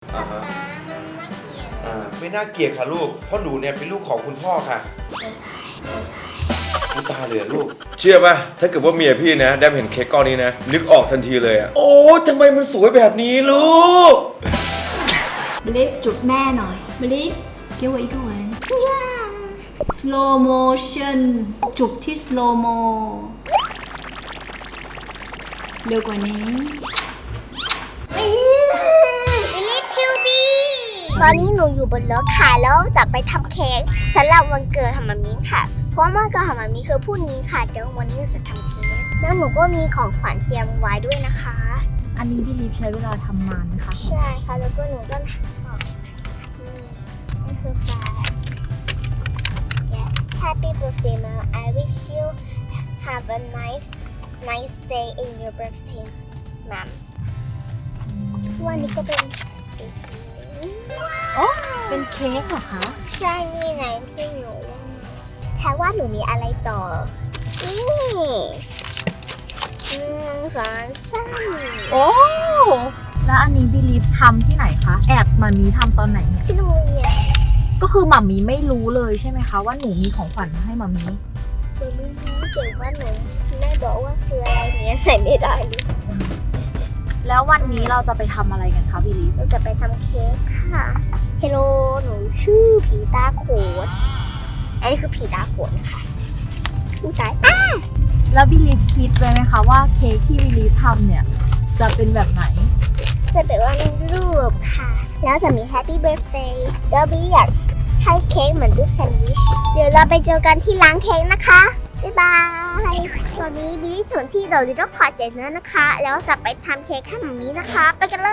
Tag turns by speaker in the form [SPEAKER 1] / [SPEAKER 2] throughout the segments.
[SPEAKER 1] ป๊า
[SPEAKER 2] ฮะ
[SPEAKER 1] มันน่าเกลียด
[SPEAKER 2] ไม่น่าเกลียดค่ะลูกเพราะหนูเนี่ยเป็นลูกของคุณพ่อค่ะคุณตาเหลือลูกเชื่อป่ะถ้าเกิดว่าเมียพี่นะได้เห็นเค้กก้อนนี้นะนึกออกทันทีเลยอะโอ้ทำไมมันสวยแบบนี้ลูก
[SPEAKER 3] บลิฟจุบแม่หน่อยบลิฟ给我一个吻 slow motion จุบที่ slow mo เร็วกว่านี้
[SPEAKER 1] บิลลี่คิวบีตอนนี้หนูอยู่บนรถค่ะแล้วจะไปทำเค้กสำหรับวันเกิดของมามิค่ะเพราะว่าวันเกิดของมามิคือพรุ่งนี้ค่ะเดี๋ยววันนี้จะทำเค้กแล้วหนูก็มีของขวัญเตรียมไว้ด้วยนะคะ
[SPEAKER 3] อันนี้พี่ลีฟใช้เวลาทำนานไหมคะ
[SPEAKER 1] ใช่ค่ะแล้วก็หนูก็นี่คือแฟน Happy birthday mom I wish you have a nice day in your birthday mom วันนี้ก็เป็น
[SPEAKER 3] โอ้เป็นเค้กเหรอคะ
[SPEAKER 1] ใช่นี่ไงที่หนูแค่ว่าหนูมีอะไรต่อนี่1 2 3
[SPEAKER 3] โอ้แล้วอันนี้พี่ลีฟทำที่ไหนคะแอบมามีทำตอนไหนเนี่ย
[SPEAKER 1] ที่โรงเรียน
[SPEAKER 3] ก็คือหมามีไม่รู้เลยใช่ไหมคะว่าหนูมีของขวัญมาให้หมามี
[SPEAKER 1] หนูไม่รู้เกี่ยวว่าหนูแม่บอกว่าคืออะไรเนี้ยใส่ไม่ได้เลย
[SPEAKER 3] แล้ววันนี้เราจะไปทำอะไรกันคะพี่ลีฟ
[SPEAKER 1] เราจะไปทำเค้กค่ะเฮลโลหนูชื่อผีตาโขนอันนี้คือผีตาโขนค่ะผู้ชาย
[SPEAKER 3] แล้วพี่ลีฟคิดไว้ไหมคะว่าเค้กที่พี่ลีฟทำเนี่ยจะเป็นแบบไหน
[SPEAKER 1] จะเป็นว่ารูปค่ะ แล้วจะมี Happy Birthday แล้วบิลลี่อยากให้เค้กเหมือนรูปแซนด์วิช เดี๋ยวเราไปเจอกันที่ร้านเค้กนะคะ บ๊ายบาย ตอนนี้บิลลี่ถึงที่เดอะลิตเติ้ลพอร์ตแล้วนะคะ แล้วจะไปทำเค้กให้หมามีนะคะ ไปกันเลย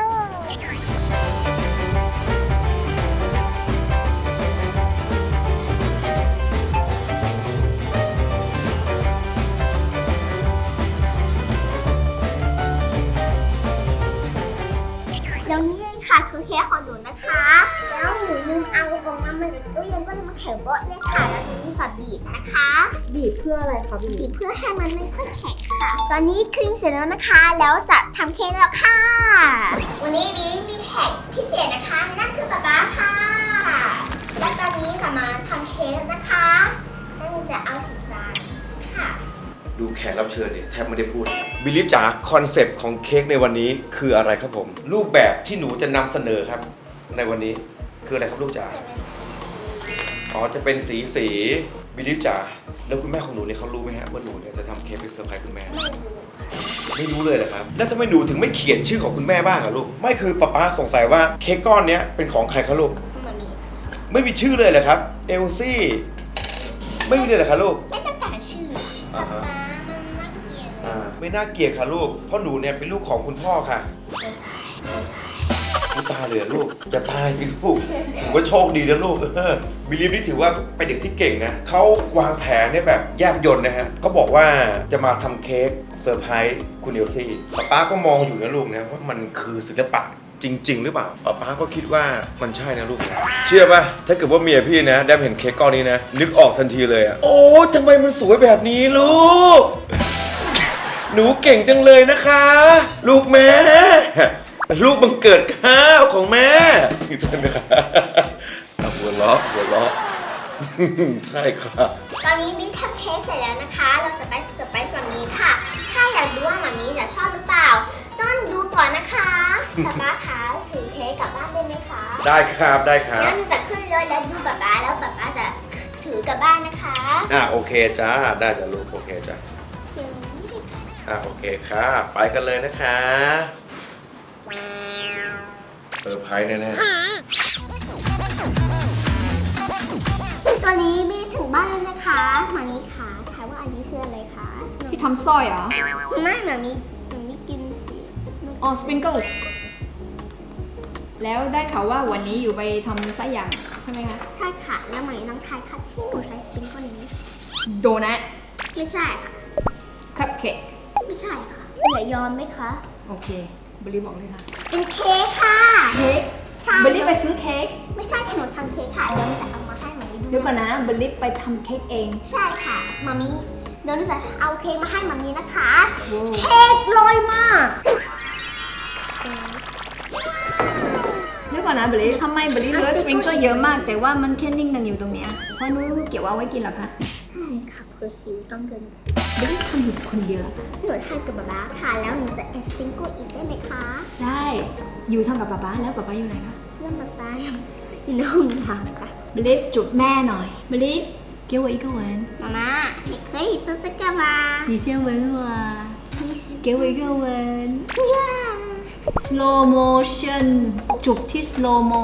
[SPEAKER 1] แล้วนี่เองค่ะคือเค้กของหนูนะคะ แล้วหนูลืมเอาออกมาจากตู้เย็นก็เลยมาแข็งโบ๊ะเลยค่ะ แล้วหนูมีกับบีบนะคะ
[SPEAKER 3] บีบเพื่ออะไรคะพี่ลี
[SPEAKER 1] บี
[SPEAKER 3] ฟ
[SPEAKER 1] บเพื่อให้มันไม่ค่อยแข็งค่ะ ตอนนี้ครีมเสร็จแล้วนะคะ แล้วจะทำเค้กแล้วค่ะ วันนี้บีมีแขกพิเศษนะคะ นั่นคือป๊าป๊าค่ะ และตอนนี้ค่ะมาทำเค้กนะคะนั่นจะเอาสีฟ้าค่ะ
[SPEAKER 2] ดูแขกรับเชิญเนี่ยแทบไม่ได้พูดบิลลี่จ๋าคอนเซปต์ของเค้กในวันนี้คืออะไรครับผม รูปแบบที่หนูจะนำเสนอครับ ในวันนี้คืออะไรครับลูกจ๋า
[SPEAKER 1] จะเป็นสี
[SPEAKER 2] อ๋อจะเป็นสีบิลลี่จ๋าแล้วคุณแม่ของหนูเนี่ยเขารู้ไหมฮะว่าหนูเนี่ยจะทำเค้กเป็นเซอร์ไพรส์คุณแม่
[SPEAKER 1] ไม่รู้ค่ะ
[SPEAKER 2] ไม่รู้เลยเหรอครับแล้วทำไมหนูถึงไม่เขียนชื่อของคุณแม่บ้างอะลูกไม่คือป๊าสงสัยว่าเค้กก้อนเนี้ยเป็นของใครครับลูก
[SPEAKER 1] มันมีค่ะ
[SPEAKER 2] ไม่มีชื่อเลยเหรอครับเอลซี่ไม่มีเลยเหรอครับลูก
[SPEAKER 1] ไม่ต้องการชื่อ
[SPEAKER 2] อ่า
[SPEAKER 1] ป๊า
[SPEAKER 2] ฮะ
[SPEAKER 1] มันน่าเกลียด
[SPEAKER 2] ไม่น่าเกลียดค่ะลูกเพราะหนูเนี่ยเป็นลูกของคุณพ่อค่ะคุณตาเหลือลูกจะตายสิลูกถือว่าโชคดีนะลูกบิลลี่นี่ถือว่าเป็นเด็กที่เก่งนะเขาวางแผนเนี่ยแบบแยบยลนะฮะเขาบอกว่าจะมาทำเค้กเซอร์ไพรส์คุณเอลซี่ป๊าก็มองอยู่นะลูกนะว่ามันคือศิลปะจริง ๆ หรือเปล่าป๊าก็คิดว่ามันใช่นะลูกนะเชื่อป่ะถ้าเกิดว่าเมียพี่นะได้เห็นเค้กก้อนนี้นะนึกออกทันทีเลยอะโอ้ทำไมมันสวยแบบนี้ลูก หนูเก่งจังเลยนะคะ ลูกแม่ ลูกบังเกิดข้าวของแม่หัวเราะใช่ค่ะ
[SPEAKER 1] ตอนนี้บิ๊กทำเค้กเสร็จแล้วนะคะ เราจะไปเซอร์ไพรส์มามีค่ะ ถ้าอยากรู้ว่ามามีจะชอบหรือเปล่า ต้องดูก่อนนะคะป๊าป๊าคะถือเค้กกลับบ้านได้ไหมคะ
[SPEAKER 2] ได้ครับได้ครับ
[SPEAKER 1] งั้นหนูจะขึ้นรถแล้วดูป๊าป๊าแล้วป๊าป๊าจะถือกลับบ้านนะคะ
[SPEAKER 2] โอเคจ้าได้จ้ะลูกโอเคจ้ะ
[SPEAKER 1] เพียงนี้เลยค่ะ
[SPEAKER 2] โอเคค่ะไปกันเลยนะคะเซอร์ไพรส์แน่
[SPEAKER 1] ตอนนี้บิ๊กถึงบ้านแล้วนะคะมามีค่ะถามว่าอันนี้คืออะไรคะ
[SPEAKER 3] ที่ทำสร้อยเหรอ
[SPEAKER 1] ไม่มามีกินสิ
[SPEAKER 3] อ๋อ สปริงเกิลแล้วได้ข่าวว่าวันนี้อยู่ไปทำไส้ย่างใช่ไหมคะ
[SPEAKER 1] ใช่ค่ะ แล้วมามีน้องทายค่ะที่หนูใช้สปริงเกิลนี้
[SPEAKER 3] โดนัท
[SPEAKER 1] ไม่ใช่ค่ะ
[SPEAKER 3] คัพเค้ก
[SPEAKER 1] ไม่ใช่ค่ะอย่ายอมไหมคะ
[SPEAKER 3] โอเคบริบอกเลยค่ะ
[SPEAKER 1] เป็นเค้กค่ะ
[SPEAKER 3] เค้ก
[SPEAKER 1] ใช่
[SPEAKER 3] บริไปซื้อเค้ก
[SPEAKER 1] ไม่ใช่ขนมทำเค้กค่ะเดี๋ยวหนูจะเอามาให้มามี
[SPEAKER 3] เดี๋ยวก่อนนะบริไปทำเค้กเอง
[SPEAKER 1] ใช่ค่ะมามีเดี๋ยวหนูจะเอาเค้กมาให้มามีนะคะ
[SPEAKER 3] โว้
[SPEAKER 1] เค้กลอยมาก
[SPEAKER 3] ใน
[SPEAKER 4] เดี๋ยวก่อนนะเบลลี่ทำไมเบลลี่เลือกสปริงเกอร์เยอะมาก แต่ว่ามันแค่นิ่งนึงอยู่ตรงเนี้ยเพราะนู้นเก็บเอาไว้กินเหรอคะ
[SPEAKER 1] ใช่ค่ะเพื่อคิวต้องเกิน
[SPEAKER 4] เบลลี่ทำอยู่คนเดียวเหรอคะ
[SPEAKER 1] หนูทานกับบ๊าบ้าค่ะ แล้วหนูจะแอดสปริงเกิลอีกได้ไหมคะ
[SPEAKER 4] ได้อยู่ทำกับป๊าป๊าแล้วป๊าป๊าอยู่ไหนคะ
[SPEAKER 1] เรื่องบ๊าบ้าอยู่ในห้องน้ำค่ะ
[SPEAKER 4] เบลลี่จุบแม่หน่อยเบลลี่给我一个吻
[SPEAKER 1] 妈妈你可以做这个吗
[SPEAKER 4] 你先吻我给我一个吻
[SPEAKER 1] 哇
[SPEAKER 4] slow motion จุบที่ slow mo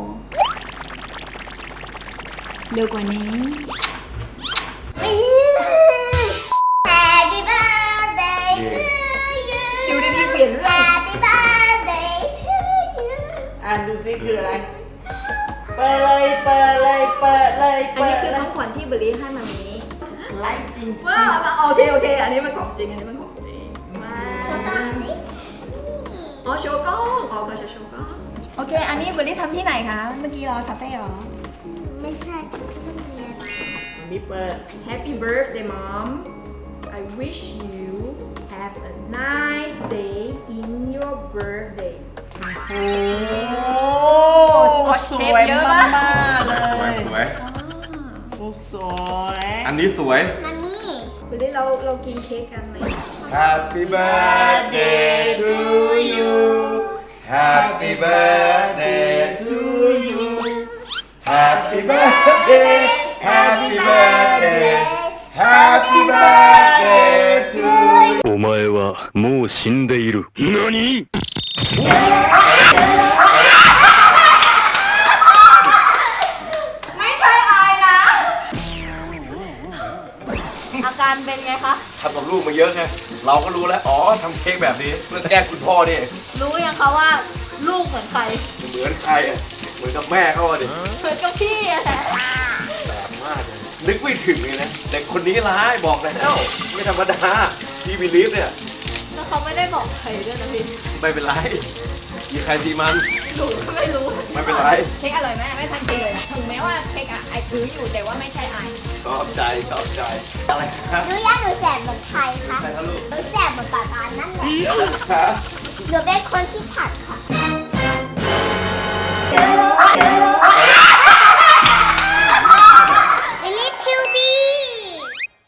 [SPEAKER 4] เร็วกว่านี้
[SPEAKER 1] Happy birthday to you
[SPEAKER 4] อยู่ดีๆเปลี่ยนเรื่อง
[SPEAKER 1] Happy birthday to you
[SPEAKER 5] อ่านดูซิคืออะไร เปิดเลยเปิดเลยเปิดเลย
[SPEAKER 4] อันนี้คือของขวัญที่เบลลี่ให้มามี
[SPEAKER 5] ไลฟ์จริง
[SPEAKER 4] ว้าวโอเคโอเค อันนี้มันของจริง อันนี้มันของจริงว้า
[SPEAKER 1] โชว์กล้องสิ
[SPEAKER 4] อ๋อโชว์กล้องอ๋อก็จะโชว์กล้องโอเค อันนี้เบลลี่ทำที่ไหนคะ เมื่อกี้รอคาเฟ่เหรอ
[SPEAKER 1] ไม่ใช่ที่โรงเรียน
[SPEAKER 5] อันนี้เปิด
[SPEAKER 4] Happy birthday mom I wish you have a nice day in your birthday
[SPEAKER 5] โอ้
[SPEAKER 4] สกอตเทปเยอะ
[SPEAKER 5] มาม
[SPEAKER 4] าก
[SPEAKER 5] กๆเล
[SPEAKER 2] สวย
[SPEAKER 5] ย
[SPEAKER 2] สวย
[SPEAKER 5] โอ้สวย
[SPEAKER 2] อันนี้สวย
[SPEAKER 1] มามี
[SPEAKER 4] เบลลี่เรากินเค้กกันไหม
[SPEAKER 2] Happy birthday to you Happy birthday to you Happy birthday Happy birthday Happy birthday to you
[SPEAKER 6] お前はもう死んでいる。何
[SPEAKER 4] ไม่ใช่อายนะ อาการเป็นไงคะ
[SPEAKER 2] ทำกับลูกมาเยอะไง เราก็รู้แล้ว อ๋อทำเค้กแบบนี้เพื่อแกล้งคุณพ่อนี่
[SPEAKER 3] รู้ยังคะว่าลูกเหมือนใคร
[SPEAKER 2] เหมือนใครอ่ะ เหมือนกับแม่เขาอ่ะดิ
[SPEAKER 3] เหมือนกับพี่อะแหละ
[SPEAKER 2] แบบมากเลยนึกไม่ถึงเลยนะ แต่คนนี้ร้ายบอกแล้วไม่ธรรมดาที่บิลีฟเนี่ย
[SPEAKER 3] แล้วเขาไม่ได้บอกใครด้วยนะพี่
[SPEAKER 2] ไม่เป็นไรมีใครทีมัน
[SPEAKER 3] หนูก็ไม่รู้
[SPEAKER 2] ไม่เป็นไร
[SPEAKER 4] เค้กอร่อยไหมไม่ทันกินเลยนะถึงแม้ว่าเค้กอะไอถืออยู่แต่ว่าไม่ใช่ไอ
[SPEAKER 2] ชอบใจชอบใจ อะไรครับ
[SPEAKER 1] หนูอยากหนูแสบเหมือนใครคะ
[SPEAKER 2] ใครครับลูก
[SPEAKER 1] หนูแสบเหมือนป่าตานั่นแหละ
[SPEAKER 2] ครับ
[SPEAKER 1] หนูเป็นคนที่ถ่าย